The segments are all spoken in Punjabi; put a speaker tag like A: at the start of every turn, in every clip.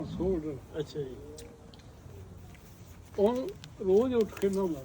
A: ਅੱਛਾ ਜੀ। ਉਹ ਰੋਜ਼ ਉੱਠ ਕੇ ਨਹਾਉਂਦਾ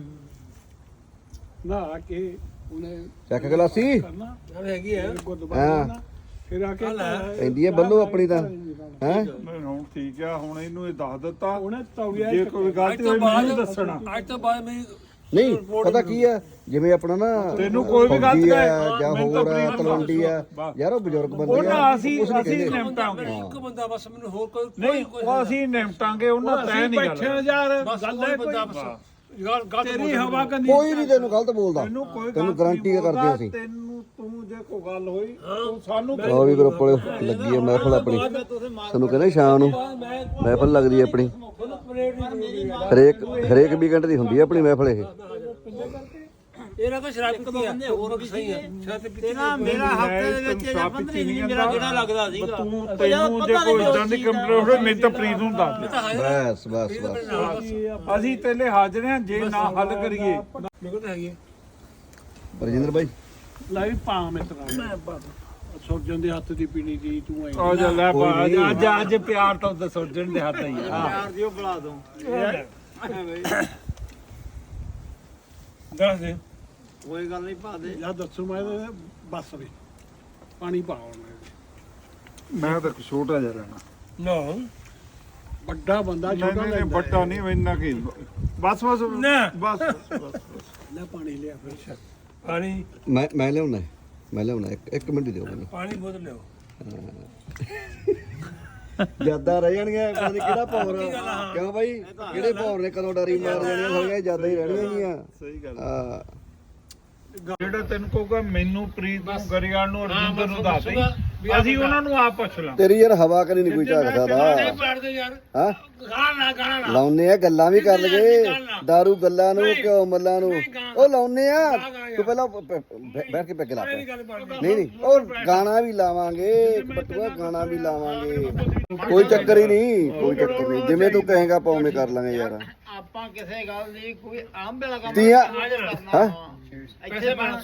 A: ਨਹਾ ਕੇ ਉਹਨੇ
B: ਚੱਕ ਗਲਾਸੀ
A: ਕਰਨਾ
C: ਹੈਗੀ ਆ
A: ਗੁਰਦੁਆਰਾ ਫਿਰ ਆ ਕੇ
B: ਪੈਂਦੀ ਹੈ ਬੱਲੋ ਆਪਣੀ ਤਾਂ ਹੈ
D: ਹੁਣ ਠੀਕ ਆ ਹੁਣ ਇਹਨੂੰ ਇਹ ਦੱਸ ਦਿੱਤਾ
A: ਉਹਨੇ ਤੌਲੀਆ
D: ਜੇ ਕੋਈ ਗਲਤੀ ਹੋਈ ਮੈਨੂੰ ਦੱਸਣਾ
C: ਅੱਜ ਤੋਂ ਬਾਅਦ ਮੇਰੀ
B: ਨਹੀਂ ਪਤਾ ਕੀ ਆ ਜਿਵੇਂ ਆਪਣਾ ਨਾ
D: ਤੈਨੂੰ ਕੋਈ ਵੀ ਗਲਤ
B: ਫੌਜੀ ਆ
D: ਕਹੇ,
B: ਜਾਂ
D: ਮੈਨੂੰ ਤਾਂ
B: ਹੋਰ
D: ਪ੍ਰੀਤ
B: ਤਲਵੰਡੀ ਆ ਯਾਰ ਉਹ ਬਜ਼ੁਰਗ ਬੰਦੇ
D: ਉਹਨਾਂ
B: ਆ
D: ਅਸੀਂ ਨਿਮਟਾਂਗੇ
C: ਇੱਕ ਬੰਦਾ ਬਸ ਮੈਨੂੰ ਹੋਰ ਕੋਈ
D: ਨਹੀਂ ਉਹ ਅਸੀਂ ਨਿਮਟਾਂਗੇ ਉਹਨਾਂ ਤੈਅ ਨਹੀਂ
A: ਬੈਠੇ
D: ਗੱਲ
A: ਯਾਰ
C: ਬਸ
A: ਗੱਲ
C: ਕੋਈ
A: ਹੈ
C: ਬੰਦਾ ਬਸ
A: ਤੇਰੀ ਹਵਾ ਕੰਦੀ
B: ਕੋਈ ਨਹੀਂ ਤੈਨੂੰ ਗਲਤ ਬੋਲਦਾ
D: ਤੈਨੂੰ ਕੋਈ
B: ਤੈਨੂੰ ਗਾਰੰਟੀ ਕਰਦੇ ਅਸੀਂ
D: ਤੈਨੂੰ ਤੂੰ ਜੇ ਕੋਈ ਗੱਲ ਹੋਈ ਤੂੰ ਸਾਨੂੰ
B: ਉਹ ਵੀ ਗਰੁੱਪ ਵਾਲੇ ਲੱਗੀ ਆ ਮਹਿਫਲ ਆਪਣੀ ਤੁਹਾਨੂੰ ਕਹਿੰਦੇ ਸ਼ਾਮ ਨੂੰ ਮਹਿਫਲ ਲੱਗਦੀ ਹੈ ਆਪਣੀ ਹਰੇਕ ਵੀਕਐਂਡ ਦੀ ਹੁੰਦੀ ਹੈ ਆਪਣੀ ਮਹਿਫਲ ਇਹ
C: ਇਹਨਾਂ ਤਾਂ ਸ਼ਰਾਬ ਪੀਤੀ ਆ ਹੋਰ ਵੀ ਸਹੀ ਆ ਸ਼ਰਾਬ ਪੀਤੀ
E: ਨਾ ਮੇਰਾ ਹਫਤੇ ਦੇ ਵਿੱਚ ਜਾਂ 15 ਦਿਨ ਮੇਰਾ ਕਿਹੜਾ ਲੱਗਦਾ ਸੀਗਾ
D: ਤੂੰ ਤੈਨੂੰ ਜੇ ਕੋਈ ਇਦਾਂ ਦੀ ਕੰਪਲੇਂਟ ਹੋਵੇ ਮੈਨੂੰ ਤਾਂ ਪ੍ਰੀਤ ਨੂੰ ਦੱਸ ਦੇ
B: ਬਸ
D: ਅਸੀਂ ਤੇਲੇ ਹਾਜ਼ਰ ਹਾਂ ਜੇ ਨਾ ਹੱਲ ਕਰੀਏ
C: ਮੇਰੇ ਕੋਲ ਤਾਂ ਹੈਗੀ
B: ਰਜਿੰਦਰ ਭਾਈ
A: ਲੈ ਵੀ ਪਾ ਮਿੱਤਰਾ ਸੁਰਜਨ ਦੇ ਹੱਥ ਦੀ ਪੀਣੀ ਦੀ ਤੂੰ ਐ
D: ਆ ਜਾ ਲੈ ਪਾ ਅੱਜ ਪਿਆਰ ਤਾਂ ਦੱਸੋ ਜਣ ਦੇ ਹੱਥ ਹੀ ਆ
E: ਯਾਰ ਜੀ ਉਹ ਬੁਲਾ ਦੋ
C: ਦੱਸ ਦੇ
E: ਕੋਈ ਗੱਲ ਨਹੀਂ ਪਾ ਦੇ
A: ਜਾਂ ਦੱਸੋ ਮੈਂ ਬਸ ਵੀ ਪਾਣੀ ਪਾਉਣ
D: ਮੈਂ ਤਾਂ ਛੋਟਾ ਜਿਹਾ ਰਹਿਣਾ
C: ਨਾ
A: ਵੱਡਾ ਬੰਦਾ
D: ਨਹੀਂ
A: ਛੋਟਾ
D: ਨਹੀਂ
A: ਲੈਂਦਾ
D: ਵੱਡਾ ਨਹੀਂ ਇੰਨਾ ਕੀ ਬਸ ਬਸ ਬਸ
A: ਲੈ ਪਾਣੀ ਲਿਆ ਫਿਰ
C: ਪਾਣੀ
B: ਮੈਂ ਲਿਆਉਣਾ ਇੱਕ ਮਿੰਟ ਦਿਓ ਮੈਨੂੰ
C: ਪਾਣੀ ਬੋਤਲ ਲਿਓ
B: ਯਾਦਾਂ ਰਹਿ ਜਾਣਗੀਆਂ ਪਤਾ ਨਹੀਂ ਕਿਹੜਾ ਪੌਰ ਆ ਕਿਉਂ ਬਾਈ ਕਿਹੜੇ ਪੌਰ ਨੇ ਕਦੋਂ ਡਰੀ ਮਾਰ ਜਾਣੀਆਂ ਸਾਰੀਆਂ ਯਾਦਾਂ ਹੀ ਰਹਿਣੀਆਂ ਗੀਆਂ
D: ਸਹੀ ਗੱਲ
B: ਆ
D: ਜਿਹੜਾ ਤੈਨੂੰ ਕਹੂਗਾ ਮੈਨੂੰ ਪ੍ਰੀਤ ਨੂੰ ਗਰੀਆਲ ਨੂੰ ਅਰਜਿੰਦਰ ਨੂੰ ਦੱਸ ਦੇ ਅਸੀਂ ਉਹਨਾਂ ਨੂੰ ਆਪ ਪੁੱਛ ਲਾਂ
B: ਤੇਰੀ ਯਾਰ ਹਵਾ ਕਰੀ ਨਹੀਂ ਕੋਈ ਝਾਕ ਸਕਦਾ
C: ਪੜਦੇ ਯਾਰ
B: ਹਾਂ
C: ਗਾਣਾ
B: ਲਾਉਨੇ ਆ ਗੱਲਾਂ ਵੀ ਕਰ ਲਗੇ ਦਾਰੂ ਗੱਲਾਂ ਨੂੰ ਘਿਓ ਮੱਲਾਂ ਨੂੰ ਉਹ ਲਾਉਨੇ ਆ ਤੂੰ ਪਹਿਲਾਂ ਬੈਠ ਕੇ ਪੈਗ ਲਾ ਨਹੀਂ ਉਹ ਗਾਣਾ ਵੀ ਲਾਵਾਂਗੇ ਬਟੂਆ ਗਾਣਾ ਵੀ ਲਾਵਾਂਗੇ ਕੋਈ ਚੱਕਰ ਹੀ ਨਹੀਂ ਜਿਵੇਂ ਤੂੰ ਕਹੇਗਾ ਪੌਵੇਂ ਕਰ ਲਾਂਗੇ ਯਾਰ
E: ਆਪਾਂ ਕਿਸੇ ਗੱਲ ਦੀ ਕੋਈ ਆਮ ਵੇਲਾ ਕੰਮ
B: ਤੀਆਂ
E: ਕਰਨਾ ਇੱਥੇ ਬਣਾ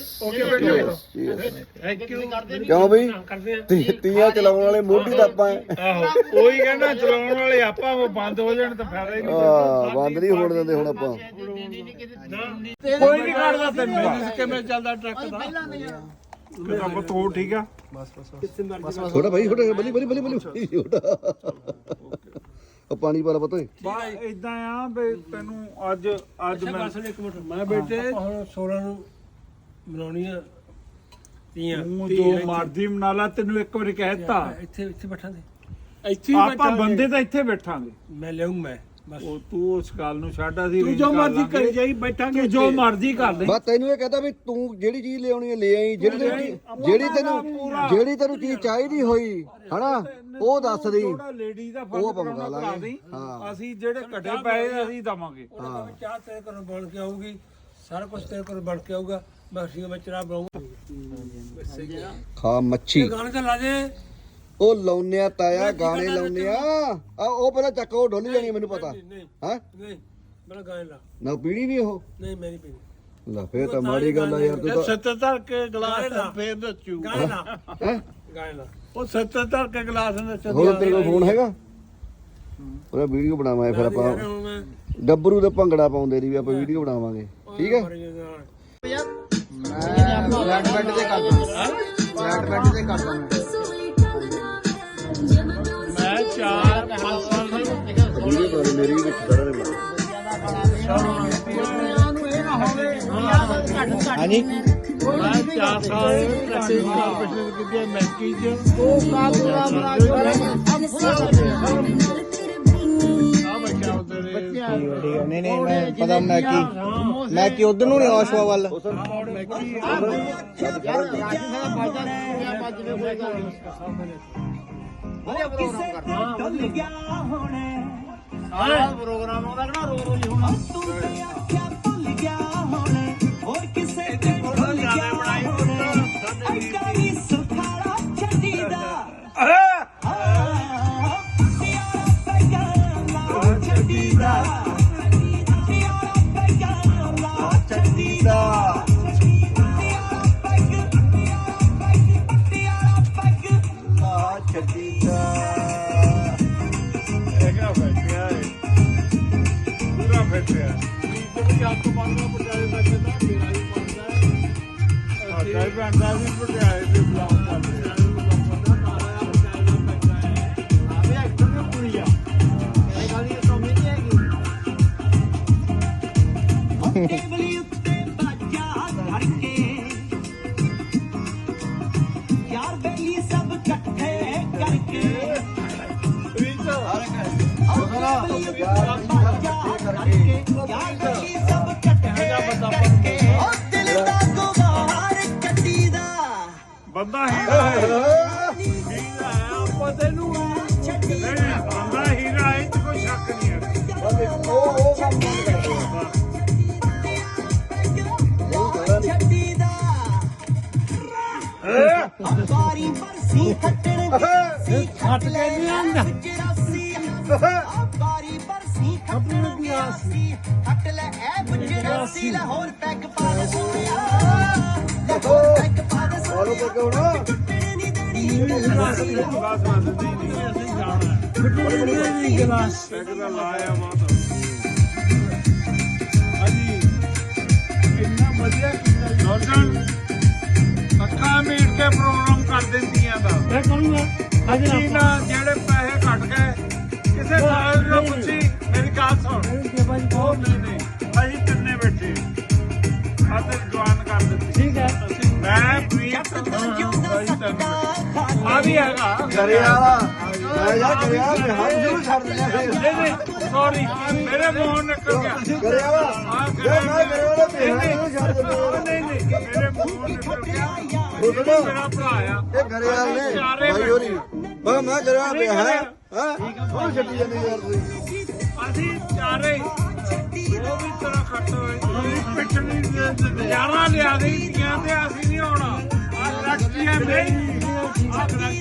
B: ਕਿਉਂ ਬਈ ਤੀਆਂ ਚਲਾਉਣ ਵਾਲੇ ਮੋਢੀ ਤਾਂ ਆਪਾਂ
D: ਆਹੋ ਉਹੀ ਕਹਿੰਦਾ ਚਲਾਉਣ ਵਾਲੇ ਆਪਾਂ ਉਹ ਬੰਦ ਹੋ ਜਾਣ ਤਾਂ ਫਾਇਦਾ ਹੀ ਨਹੀਂ
B: ਬੰਦ ਨਹੀਂ ਹੋਣ ਦਿੰਦੇ ਹੁਣ ਆਪਾਂ
D: ਕੋਈ ਨਹੀਂ ਕਰਦਾ ਤੈਨੂੰ
A: ਕਿਵੇਂ ਚੱਲਦਾ ਟਰੱਕ ਦਾ
D: ਕਿਤਾ ਬਤੋ ਠੀਕ ਆ
B: ਛੋਟਾ ਭਾਈ ਛੋਟਾ ਬਲੀ ਛੋਟਾ ਉਹ ਪਾਣੀ ਵਾਲਾ ਪਤਾ ਹੈ
D: ਬਾ ਇਦਾਂ ਆ ਵੀ ਤੈਨੂੰ ਅੱਜ ਮੈਂ
C: ਇੱਕ ਮਿੰਟ
A: ਮੈਂ ਬੇਟੇ
C: ਹੁਣ 16 ਨੂੰ ਮਨਾਉਣੀ ਆ ਤੀਆਂ
D: ਤੂੰ ਜੋ ਮਰਜ਼ੀ ਮਨਾ ਲਾ ਤੈਨੂੰ ਇੱਕ ਵਾਰੀ ਕਹਿਤਾ
C: ਇੱਥੇ ਬੈਠਾਂਗੇ
A: ਇੱਥੇ ਹੀ
D: ਆਪਾਂ
A: ਬੈਠਾਂਗੇ।
D: ਬੰਦੇ ਤਾਂ ਇੱਥੇ ਬੈਠਾਂਗੇ
C: ਮੈਂ ਲਿਆਉਂ ਮੈਂ ਬਸ
D: ਉਹ ਤੂੰ ਉਸ ਗੱਲ ਨੂੰ ਛੱਡ ਅਸੀਂ
A: ਤੂੰ
D: arrange
A: ਜੋ
D: ਕਰ
A: ਮਰਜ਼ੀ
D: ਲਾਂਗੇ।
A: ਕਰੀ ਜਾਈ ਬੈਠਾਂਗੇ
D: ਤੂੰ ਜੋ ਮਰਜ਼ੀ ਕਰ ਲੈ
B: ਬਸ ਤੈਨੂੰ ਇਹ ਕਹਤਾ ਵੀ ਤੂੰ ਜਿਹੜੀ ਚੀਜ਼ ਲਿਆਉਣੀ ਹੈ ਲੈ ਆਈ ਜਿਹੜੀ ਤੈਨੂੰ ਚੀਜ਼ ਚਾਹੀਦੀ ਹੋਈ ਹਨਾ ਉਹ ਦੱਸ ਦੀ
D: ਥੋੜਾ ਲੇਡੀ ਦਾ
B: ਉਹ
D: ਫਰਕ
B: ਆਪਾਂ
D: ਕਰਾਉਣਾ
B: ਮੰਗਾ
D: ਕਰਾ
B: ਲਾਂਗੇ।
D: ਦੇਈਂ।
B: ਹਾਂ।
D: ਅਸੀਂ ਜਿਹੜੇ ਘਟੇ ਪਏ ਅਸੀਂ ਦਵਾਂਗੇ
B: ਹਾਂ
C: ਚਾਹ ਤੇਰੇ ਘਰੋਂ ਬਣ ਕੇ ਆਊਗੀ ਸਾਰਾ ਕੁਝ ਤੇਰੇ ਘਰੋਂ ਬਣ ਕੇ ਆਊਗਾ ਮੈਂ ਸੀਗਾ ਮੈਂ ਚਰਾ ਬਣਾਉਂਗਾ
B: ਖਾ ਮੱਛੀ
C: ਗਾਣੇ ਤਾਂ ਲਾ ਦੇ
B: ਉਹ ਲਾਉਨੇ ਆ ਤਾਇਆ ਗਾਣੇ ਲਾਉਨੇ ਆ ਉਹ ਪਹਿਲਾਂ ਚੱਕ ਉਹ ਡੋਲੀ ਜਾਣੀ ਮੈਨੂੰ ਪਤਾ
C: ਨਹੀਂ
B: ਹਾਂ
C: ਨਹੀਂ ਮੇਰਾ ਗਾਣੇ ਲਾ
B: ਨਾ ਪੀੜੀ ਵੀ ਉਹ
C: ਨਹੀਂ ਮੈਂ ਨਹੀਂ ਪੀਣੀ
B: ਲੈ ਫੇਰ ਤਾਂ ਮਾੜੀ ਗੱਲ ਆ ਯਾਰ ਤੂੰ ਤਾਂ
A: 70 ਕੇ ਗਲਾਸ ਫੇਰ ਦੱਸੂ
C: ਗਾਣੇ ਲਾ
B: ਹੈਂ?
C: ਗਾਣੇ ਲਾ
A: ਉਹ 70 ਕੇ ਗਲਾਸ ਨੇ
B: ਹੋਰ ਤੇਰੇ ਕੋਲ ਫੋਨ ਹੈਗਾ ਉਹਦਾ ਵੀਡੀਓ ਬਣਾਵਾਂਗੇ ਫਿਰ ਆਪਾਂ
C: ਹੁਣ ਮੈਂ
B: ਗੱਭਰੂ ਦਾ ਭੰਗੜਾ ਪਾਉਂਦੇ ਦੀ ਵੀ ਆਪਾਂ ਵੀਡੀਓ ਬਣਾਵਾਂਗੇ ਠੀਕ ਹੈ
E: ਫਲੈਟ ਬੈੱਡ ਤੇ ਕਰਦਾ
A: ਮੈਂ 4-5 ਸਾਲ ਦੀ
B: ਵੀਡੀਓ ਕਰ ਮੇਰੀ ਵੀ ਵਿੱਚ ਸਾਰਾ ਦੇ
E: ਹਾਂਜੀ
A: ਮੈਂ 4 ਸਾਲ ਪ੍ਰੈਕਟਿਸ ਕਾਰਪੋਰੇਸ਼ਨ ਕੀਤੀ ਹੈ ਮੈਂਕੀ ਚ
E: ਉਹ ਕਾਬੂਲਾ ਬਣਾ
A: ਆ ਬੱਚਾ ਉਧਰ
E: ਨਹੀਂ ਮੈਂ ਪਤਾ ਮੈਂ ਕੀ ਉਧਰ ਨੂੰ ਨਹੀਂ ਆਸ਼ਵਾ ਵੱਲ ਵਧੀਆ ਪ੍ਰੋਗਰਾਮ ਕਰਦਾ ਸਾਰਾ ਪ੍ਰੋਗਰਾਮ ਆਉਂਦਾ ਨਾ ਰੋ ਰੋ ਹੋਣਾ
A: ਵੀ ਜੱਟ ਤੋਂ ਬਣਦਾ ਪਟਿਆਲੇ ਦਾ ਕਹਿੰਦਾ ਮੇਰਾ ਵੀ ਬਣਦਾ
D: ਸਾਡਾ ਵੀ ਬਣਦਾ ਵੀ ਪਟਿਆਲੇ ਦੇ ਬਲੌਗ ਕਰਦੇ ਆ।
E: ਟੇਬਲੀ ਉੱਤੇ ਬਾਜਾ ਧਰ ਕੇ ਯਾਰ ਬੇਲੀ ਸਭ ਇਕੱਠੇ ਕਰਕੇ
D: ਬੰਦਾ ਹੀਰਾ ਆਪਾਂ ਤੈਨੂੰ ਬੰਦਾ ਹੀਰਾ ਇਹ 'ਚ ਕੋਈ ਸ਼ੱਕ ਨਹੀਂ ਹੈ।
B: ਉਹ ਕੰਮ ਬੰਦ
E: ਬਾਰੀ ਬਰਸੀ ਖੱਟਣ ਦੀ ਖੱਟ ਲੈ ਆਂਦਾ ਬਾਰੀ ਬਰਸੀ ਖੱਟਣ ਦੀ ਆਸੀ ਖੱਟ ਲੈ ਐ ਬਜਰਾਸੀ ਲਾਹੌਰ ਪੈਗ ਪਾ ਦੇ ਸੋਇਆ ਲਾਹੌਰ ਪੈਗ ਪਾ ਦੇ
B: ਆਲੋ ਪੱਕੇ ਹੋਣਾ
E: ਨਹੀਂ ਦੇਣੀ
A: ਗਲਾਸ
D: ਪੈਗ ਦਾ ਲਾਇਆ ਮਾਤਾ ਹਾਂਜੀ
A: ਇੰਨਾ ਵਧੀਆ ਕੀਤਾ ਜੀ।
D: ਦਰਸ਼ਨ ਅੱਖਾਂ ਮੀਟ ਕੇ ਪ੍ਰੋਗਰਾਮ ਕਰ ਦਿੰਦੀਆਂ ਦਾ
A: ਮੈਂ ਕਹੂੰਗਾ ਅੱਜ
D: ਅਸੀਂ ਨਾ ਜਿਹੜੇ ਪੈਸੇ ਘਟ ਗਏ ਕਿਸੇ ਸਾਲ ਨੂੰ ਪੁੱਛੀ ਮੇਰੀ ਗੱਲ ਸੁਣ ਉਹ ਨਹੀਂ ਅਸੀਂ ਤਿੰਨੇ ਬੈਠੇ ਅਤੇ ਜਵਾਨ ਕਰ ਦਿੱਤੀ
A: ਠੀਕ ਹੈ
D: ਮੈਂ ਪ੍ਰੀਤ ਆ ਵੀ ਹੈਗਾ
B: ਕਰੇ ਵਾਲਾ ਮੈਂ ਯਾਰ ਕਰੇ ਵਾਲਾ ਹੱਥ ਜ਼ਰੂਰ ਛੱਡ ਦਿੰਦਾ ਫੇਰ
D: ਨਹੀਂ ਸੌਰੀ ਮੇਰੇ ਮੂੰਹ ਨਿਕਲ ਗਿਆ
B: ਕਰੇ ਵਾਲਾ ਜੇ ਮੈਂ ਕਰੇ ਵਾਲਾ ਭੇਜਾ ਜ਼ਰੂਰ ਛੱਡ ਦਿੰਦਾ
D: ਨਹੀਂ ਮੇਰੇ ਮੂੰਹ ਨਿਕਲ ਗਿਆ
B: ਬੋਲੋ
D: ਮੇਰਾ ਭਰਾ ਆ
B: ਇਹ ਕਰੇ ਵਾਲੇ ਨੇ ਭਾਈ ਹੋਰੀ ਮੈਂ ਕਰੇ ਵਾਲਾ ਪਿਆ ਹੈ ਹਾਂ ਉਹ ਛੱਡੀ ਜਾਂਦੀ ਯਾਰ ਤੁਸੀਂ
D: ਅਸੀਂ ਚਾਰੇ ਉਹ ਵੀ ਤਰ੍ਹਾਂ ਖੱਟ ਹੋਏ ਪਿੱਟਣੀ ਨਜ਼ਾਰਾ ਲਿਆ ਦੇ ਇੰਡੀਆਂ ਤੇ ਅਸੀਂ ਨਹੀਂ ਆਉਣਾ ਆ ਰੱਖੀ ਹੈ ਮੇਰੀ ਆ ਰੱਖੀ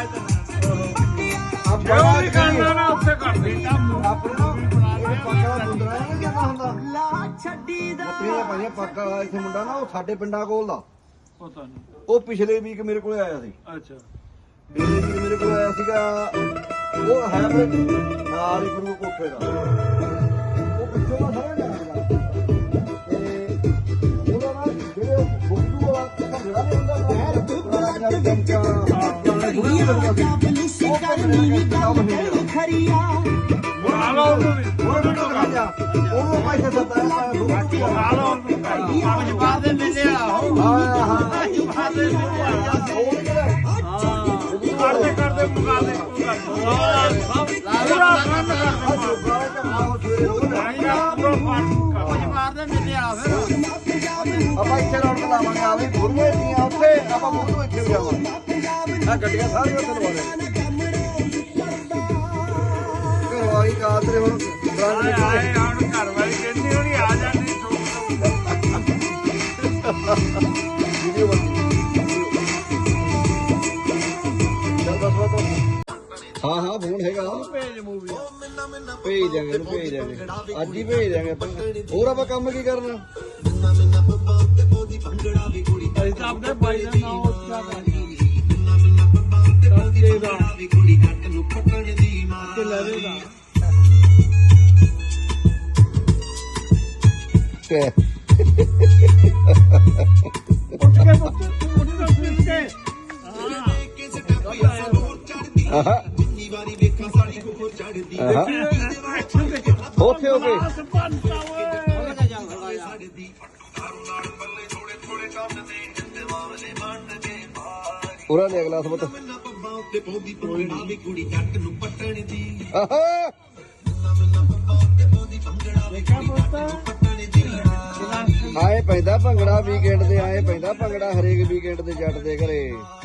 D: ਜੋ ਵੀ ਕਰਨਾ ਨਾ ਉੱਥੇ ਕਰ ਦੇ
B: ਆਪਣੇ ਨਾ ਪੱਕਾ ਦੁੰਦਰਾ ਨਹੀਂ ਕਿਹਾ ਹੁੰਦਾ
E: ਲਾ ਛੱਡੀ ਦਾ
B: ਇਹ ਭਾਈ ਪੱਕਾ ਇੱਥੇ ਮੁੰਡਾ ਨਾ ਉਹ ਸਾਡੇ ਪਿੰਡਾਂ ਕੋਲ ਦਾ
A: ਪਤਾ ਨਹੀਂ
B: ਉਹ ਪਿਛਲੇ ਵੀਕ ਮੇਰੇ ਕੋਲ ਆਇਆ ਸੀ
A: ਅੱਛਾ
B: ਪਿਛਲੇ ਵੀਕ ਮੇਰੇ ਕੋਲ ਆਇਆ ਸੀਗਾ ਉਹ ਹੈ ਆਪਣੇ ਨਾਲ ਹੀ ਗੁਰੂ ਕੋਠੇ ਦਾ ਉਹ ਪਿੱਛੋਂ ਦਾ ਸਾਰਾ ਜਾਣਦਾ ਤੇ ਉਹਦਾ ਨਾ ਜਿਹੜੇ ਬੁੱਧੂ ਆ ਭੰਗੜਾ ਨਹੀਂ ਹੁੰਦਾ ਨਾ ਦੁੱਬਲਾ
E: ਖਰੀਆ
D: ਬੁਲਾ ਲਓ ਉਹਨੂੰ ਵੀ
B: ਉਹਨੂੰ ਪੈਸੇ ਦਿੱਤਾ
D: ਬੁਲਾ ਲਓ ਉਹਨੂੰ
A: ਜਵਾਬ ਦੇ ਮੇਲੇ ਵਾਲਾ ਹੋ
B: ਹਾਂ ਹਾਂ
D: ਕਰਦੇ ਮੁਕਾ ਦੇ ਪੂਰਾ ਕੰਮ
A: ਜਵਾਬ ਦੇ ਮੇਲੇ ਆ ਫਿਰ
B: ਆਪਾਂ ਇੱਥੇ ਰੌਣਕ ਲਾਵਾਂਗੇ ਆ ਵੀ ਗੁਰੂਏ ਦੀਆਂ ਉੱਥੇ ਆਪਾਂ ਗੁਰੂ ਇੱਥੇ ਜਾਵਾਂਗੇ ਆ ਗੱਡੀਆਂ ਸਾਰੀਆਂ ਉੱਥੇ ਲਵਾ ਦੇ ਘਰਵਾਲੀ ਕਾਦਰੇ ਹੁਣ
D: ਆਏ ਹੁਣ ਘਰ ਵਾਲੀ ਕਹਿੰਦੀ ਹੋਣੀ ਆ ਜਾਂਦੀ
B: ਵੀਡੀਓ ਹਾਂ ਹਾਂ ਫੋਨ ਹੈਗਾ
A: ਭੇਜ ਮੂਵੀ
B: ਭੇਜ ਦਿਆਂਗੇ ਇਹਨੂੰ ਭੇਜ ਦਿਆਂਗੇ ਅੱਜ ਹੀ ਭੇਜ ਦਿਆਂਗੇ ਆਪਾਂ ਹੋਰ ਆਪਾਂ ਕੰਮ ਕੀ ਕਰਨਾ
A: ਅਸੀਂ ਤਾਂ ਆਪਣੇ ਭਾਈ ਦਾ ਨਾਮ ਉੱਚਾ ਕਰਾਂਗੇ ਤੇ ਲਵੇਗਾ ਉੱਠ ਕੇ ਉੱਠ ਕੇ
B: ਆਹਾ ਉੱਥੇ ਹੋ ਗਏ ਪੂਰਾ ਦੇ ਅਗਲਾ ਸਬਤ ਆਹਾ ਆਏ ਪੈਂਦਾ ਭੰਗੜਾ ਵੀਕਐਂਡ ਤੇ ਆਏ ਪੈਂਦਾ ਭੰਗੜਾ ਹਰੇਕ ਵੀਕਐਂਡ ਤੇ ਜੱਟ ਦੇ ਘਰੇ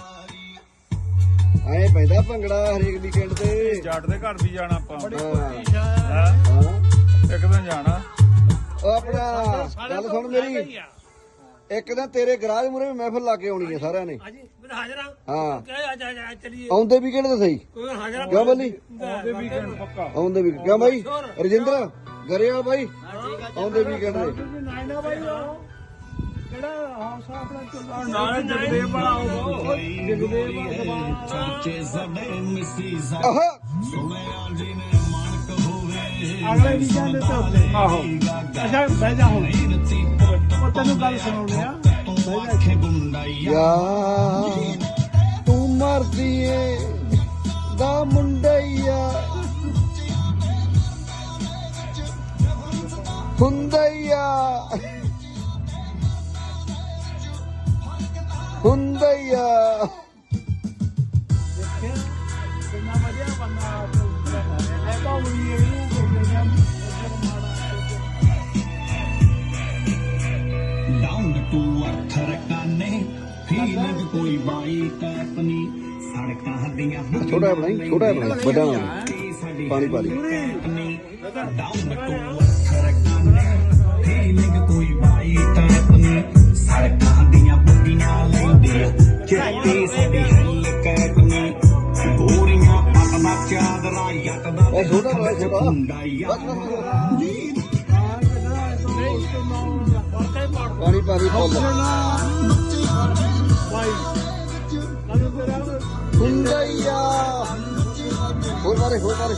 B: ਆਏ ਪੈਂਦਾ ਭੰਗੜਾ ਹਰੇਕ ਵੀਕਐਂਡ ਤੇ
D: ਜੱਟ ਦੇ ਘਰ ਵੀ ਜਾਣਾ ਆਪਾਂ
B: ਹਾਂ
D: ਇੱਕ ਦਿਨ ਜਾਣਾ
B: ਉਹ ਆਪਣਾ ਗੱਲ ਸੁਣ ਮੇਰੀ ਇੱਕ ਦਿਨ ਤੇਰੇ ਗਰਾਜ ਮੂਰੇ ਵੀ ਮਹਿਫਲ ਲਾ ਕੇ ਆਉਣੀ ਹੈ ਸਾਰਿਆਂ ਨੇ
A: ਹਾਂਜੀ ਮੈਂ ਹਾਜ਼ਰਾਂ
B: ਹਾਂ
A: ਆ ਚਲੀਏ
B: ਆਉਂਦੇ ਵੀਕਐਂਡ ਤੇ ਸਹੀ
A: ਕੋਈ ਹਾਜ਼ਰਾਂ
B: ਕਿਉਂ ਬੱਲੀ
D: ਉਹਦੇ ਵੀਕਐਂਡ ਪੱਕਾ
B: ਆਉਂਦੇ ਵੀ ਕਿਉਂ ਬਾਈ ਰਜਿੰਦਰ ਗਰੇਵਾਲ ਬਾਈ ਆਉਂਦੇ ਵੀਕਐਂਡ ਤੇ
A: ਨਾਇਨਾ ਬਾਈ ਉਹ ਕਿਹੜਾ ਹਾਊਸ ਆਪਣਾ ਚੱਲਦਾ
D: ਨਾਲੇ ਜਗਦੇਵ ਵਾਲਾ ਉਹ
A: ਜਗਦੇਵ
B: ਆਹਾ
A: ਅਗਲੇ ਵੀਕਐਂਡ ਤੇ ਉੱਤੇ ਆਹੋ ਅੱਛਾ ਬਹਿ ਜਾ ਹੁਣ ਉਹ ਤੈਨੂੰ ਗੱਲ ਸੁਣਾਉਂਦੇ ਆ ਬਹਿ ਜਾ
B: ਯਾ ਤੂੰ ਮਰਦੀ ਏ ਦਾ ਮੁੰਡਈਆ ਹੁੰਦਈਆ ਹੁੰਦਈਆ
A: ਦੇਖਿਆ ਕਿੰਨਾ ਵਧੀਆ ਬੰਦਾ ਇਹ ਤਾਂ ਵੀ ਇਹਨੂੰ ਕਹਿੰਦੇ ਆ
F: ਡਾਊਨ ਟੂ ਅਰਥ ਰਕਾਨੇ ਫੀਲਿੰਗ ਕੋਈ ਬਾਈ ਟੈਪਨੀ ਸੜਕਾਂ ਦੀਆਂ
B: ਛੋਟਾ ਬਣਾਈ ਵੱਡਾ ਨਾ ਪਾਣੀ ਪਾ ਲਈ
F: ਡਾਊਨ ਟੂ ਅਰਥ ਰਕਾਨੇ ਫੀਲਿੰਗ ਕੋਈ ਬਾਈ ਟੈਪਨੀ ਸੜਕਾਂ ਦੀਆਂ ਬੁੱਢੀਆਂ ਲੈਂਦੇ ਆ ਚਿੱਟੀ ਸਾਡੀ ਹਿੱਲ ਕੈਟਨੀ ਗੋਰੀਆਂ ਪਤਲਾ ਚਾਦਰਾ ਯੱਟ ਦਾ
B: ਇਹ ਛੋਟਾ ਛੋਟਾ
F: ਹੁੰਦਾ ਯਾਰ
B: ਪਾਣੀ ਪਾਣੀ ਫੁੱਲ ਹੁੰਦਈਆ ਹੋਰ ਮਾਰੇ ਹਾਂ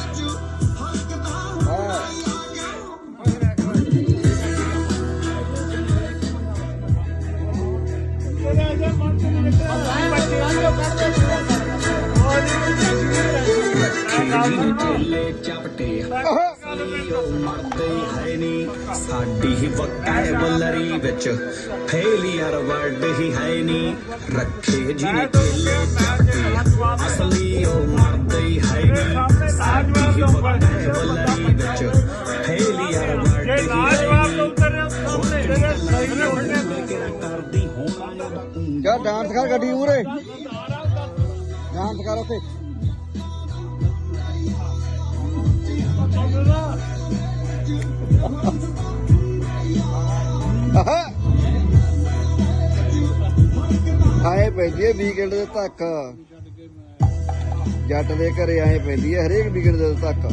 F: ਢਿੱਲੇ ਚਪਟੇ ਮਰਦੇ ਹੈ ਨੀ ਸਾਡੀ ਵੋਕੈਬਲਰੀ ਵਿੱਚ ਫੇਲੀਅਰ ਵਰਡ ਹੀ ਹੈ ਨੀ ਰੱਖੇ ਜਿਹਨੇ ਢਿੱਲੇ ਚਪਟੇ ਅਸਲੀ ਉਹ ਮਰਦੇ ਹੈ ਨੀ ਸਾਡੀ ਵੋਕੈਬਲਰੀ ਵਿੱਚ ਫੇਲੀਅਰ ਵਰਡ ਹੀ ਹੈ ਨੀ ਕਰਦੀ ਹੋਣਾ
B: ਕਿਆ ਡਾਂਸ ਕਰ ਗੱਡੀ ਮੂਰੇ ਡਾਂਸ ਕਰ ਉੱਥੇ ਆਏ ਪੈਂਦੀ ਹੈ ਵੀਕਐਂਡ ਦੇ ਤੱਕ ਜੱਟ ਦੇ ਘਰੇ ਆਏ ਪੈਂਦੀ ਹੈ ਹਰੇਕ ਵੀਕਐਂਡ ਦੇ ਤੱਕ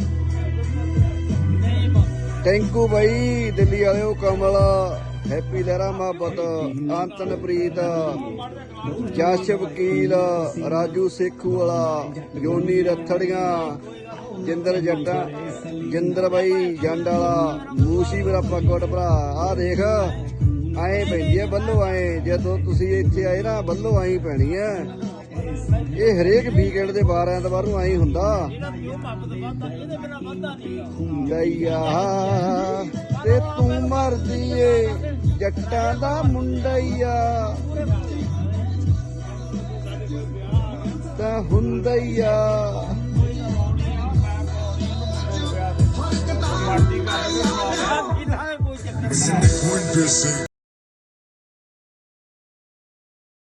B: ਟੈਂਕੂ ਬਾਈ ਦਿੱਲੀ ਵਾਲਿਓ ਕਮਲ ਹੈਪੀ ਲਹਿਰਾ ਮੁਹੱਬਤ ਅੰਤਨਪ੍ਰੀਤ ਜਸ਼ ਵਕੀਲ ਰਾਜੂ ਸੇਖੂ ਵਾਲਾ ਜੋਨੀ ਰਥੜੀਆਂ ਜਿੰਦਰ ਜੱਟਾਂ ਜਿੰਦਰ ਬਾਈ ਜੰਡ ਵਾਲਾ ਮੂਸੀ ਮੇਰਾ ਪੱਗੋਟ ਭਰਾ ਆਹ ਦੇਖ ਆਏ ਪੈਂਦੀ ਹੈ ਬੱਲੋ ਆਏ ਜਦੋਂ ਤੁਸੀਂ ਇੱਥੇ ਆਏ ਨਾ ਬੱਲੋ ਆਈ ਪੈਣੀ ਹੈ ਇਹ ਹਰੇਕ ਵੀਕਐਂਡ ਦੇ 12 ਐਤਵਾਰ ਨੂੰ ਆਈ ਹੁੰਦਾ ਗਈਆ ਤੇ ਤੂੰ ਮਰਦੀ ਏ ਜੱਟਾਂ ਦਾ ਮੁੰਡਈਆ ਤਾਂ ਹੁੰਦਈਆ
G: When this ain't